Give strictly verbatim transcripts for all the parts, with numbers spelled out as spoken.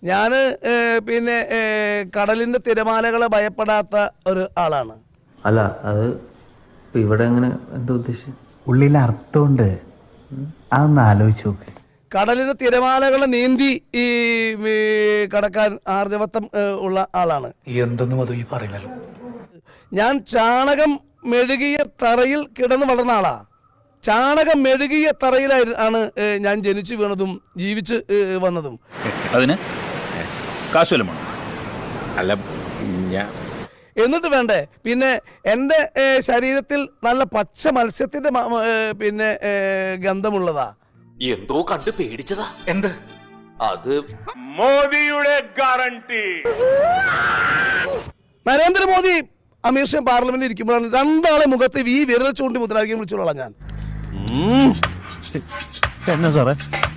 ഞാൻ പിന്നെ കടലിൻ്റെ തിരമാലകളെ ഭയപ്പെടാത്ത ഒരു ആളാണ്. അല്ല അത് ഇവിടെ എങ്ങനെ എന്താ ഉദ്ദേശിച്ചത്? ഉള്ളിൽ അർത്ഥമുണ്ട്, അതൊന്ന് ആലോചിച്ച് നോക്ക്. കടലിന് തിരമാലകളെ നീന്തി ഈ കടക്കാൻ ആർജവത്വം ഉള്ള ആളാണ്. എന്തെന്നും അത് ഈ പറയുന്നല്ലോ. ഞാൻ ചാണകം മെഴുകിയ തറയിൽ കിടന്ന് വളർന്ന ആളാ. ചാണകം മെഴുകിയ തറയിലായിരുന്നു ആണ് ഞാൻ ജനിച്ചു വീണതും ജീവിച്ച് വന്നതും. അതിന് കാശുവല്ലോ അല്ല ഞാൻ എന്നിട്ട് വേണ്ടേ പിന്നെ എൻ്റെ ശരീരത്തിൽ നല്ല പച്ച മത്സ്യത്തിൻ്റെ പിന്നെ ഗന്ധമുള്ളതാ. എന്തോ കണ്ട് പേടിച്ചതാ. എന്ത്? അത് മോദിയുടെ ഗ്യാരണ്ടി. നരേന്ദ്രമോദി അമീർ ഷാ പാർലമെന്റിൽ ഇരിക്കുമ്പോഴാണ് രണ്ടാളെ മുഖത്ത് ഈ വിരൽ ചൂണ്ടി മുദ്രാവാക്യം വിളിച്ചോളാം ഞാൻ. എന്നാ സാറേ?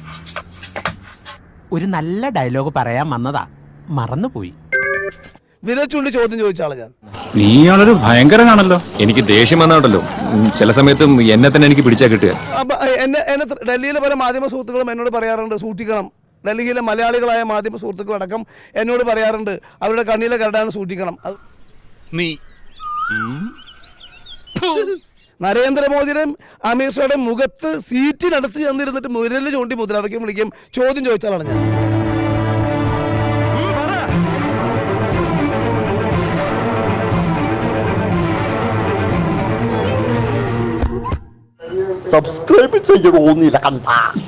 ഒരു നല്ല ഡയലോഗ് പറയാൻ വന്നതാ, മറന്നുപോയി. വിരൽ ചൂണ്ടി ചോദ്യം ചോദിച്ചാളാ ഞാൻ. നീയാളൊരു ഭയങ്കരനാണല്ലോ. എനിക്ക് ദേഷ്യം വന്നാണ്ടല്ലോ ചില സമയത്തും എന്നെ തന്നെ എനിക്ക് പിടിച്ചാ കിട്ടുക. എന്നെ എന്നെ ഡൽഹിയിലെ പല മാധ്യമ സുഹൃത്തുക്കളും എന്നോട് പറയാറുണ്ട് സൂക്ഷിക്കണം. ഡൽഹിയിലെ മലയാളികളായ മാധ്യമ സുഹൃത്തുക്കളടക്കം എന്നോട് പറയാറുണ്ട് അവരുടെ കണ്ണിലെ കരടാണ് സൂക്ഷിക്കണം. അത് നീ നരേന്ദ്രമോദിയുടെയും അമീർ ഷായുടെയും മുഖത്ത് സീറ്റിനടുത്ത് ചെന്നിരുന്നിട്ട് മുരല് ചൂണ്ടി മുദ്രാവാക്യം വിളിക്കും ചോദ്യം ചോദിച്ചാലാണ് ഞാൻ. സബ്സ്ക്രൈബ് ചെയ്യണോന്നില്ല കണ്ട